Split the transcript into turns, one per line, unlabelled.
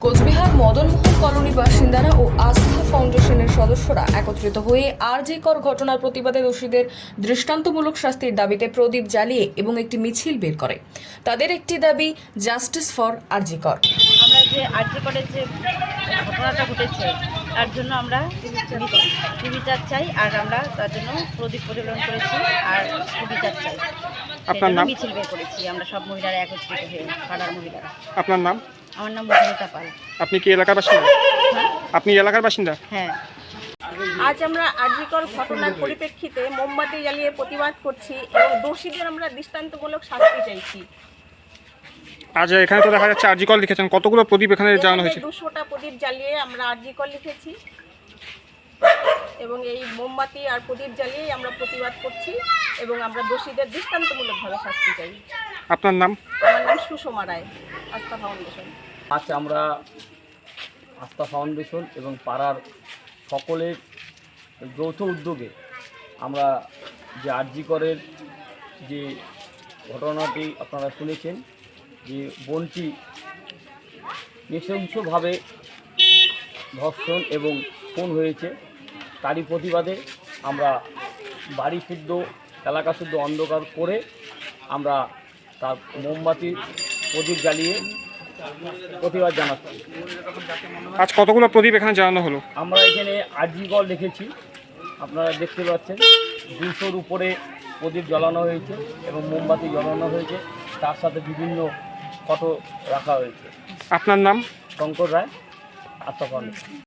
Cooch Behar Madanmohan colony বাসিন্দারা ও আস্থা ফাউন্ডেশনের সদস্যরা একত্রিত হয়ে আরজিকর ঘটনার প্রতিবাদে দোষীদের দৃষ্টান্তমূলক শাস্তির দাবিতে প্রদীপ জ্বালিয়ে এবং একটি মিছিল বের করে। তাদের একটি দাবি, জাস্টিস ফর আরজিকর।
আমরা যে আরজিকরের যে ঘটনাটা ঘটেছে তার জন্য আমরা সুবিচার চাই, আর আমরা তার জন্য প্রদীপ প্রজ্বলন করেছি আর সুবিচার চাই।
আপনার নাম?
মিছিল বের করেছি আমরা সব মহিলারা একত্রিত হয়ে, পাড়ার মহিলারা।
আপনার নাম?
আমার নাম মধুমিতা পাল।
আপনি কি এলাকার বাসিন্দা? আপনি এলাকার বাসিন্দা?
হ্যাঁ।
আজ আমরা আরজিকর ঘটনার পরিপ্রেক্ষিতে মোমবাতি জ্বালিয়ে প্রতিবাদ করছি এবং দোষীদের আমরা দৃষ্টান্তমূলক শাস্তি চাইছি।
আজ এখানে তো দেখা যাচ্ছে আরজিকর লিখেছেন, কতগুলো প্রদীপ এখানে জ্বালানো হয়েছে?
200টা প্রদীপ জ্বালিয়ে আমরা আরজিকর লিখেছি এবং এই মোমবাতি আর প্রদীপ জ্বালিয়েই আমরা প্রতিবাদ করছি এবং আমরা দোষীদের দৃষ্টান্তমূলকভাবে শাস্তি চাই।
আপনার নাম?
আমার নাম সুষমা রায়, আস্থা ফাউন্ডেশন।
আজ আমরা আস্থা ফাউন্ডেশন এবং পাড়ার সকলের যৌথ উদ্যোগে আমরা যে আরজিকরের যে ঘটনাটি আপনারা শুনেছেন, যে বোনটি নৃশংসভাবে ধর্ষণ এবং খুন হয়েছে, তারই প্রতিবাদে আমরা বাড়ি শুদ্ধ, এলাকা শুদ্ধ অন্ধকার করে আমরা তার মোমবাতি প্রদীপ জ্বালিয়ে প্রতিবাদ জানাচ্ছি।
আজ কতগুলো প্রদীপ এখানে জ্বালানো হলো?
আমরা এখানে আরজিকর লিখেছি, আপনারা দেখতে পাচ্ছেন 200-র উপরে প্রদীপ জ্বালানো হয়েছে এবং মোমবাতি জ্বালানো হয়েছে, তার সাথে বিভিন্ন ফটো রাখা হয়েছে।
আপনার নাম?
শঙ্কর রায়, আস্থা ফাউন্ডেশন।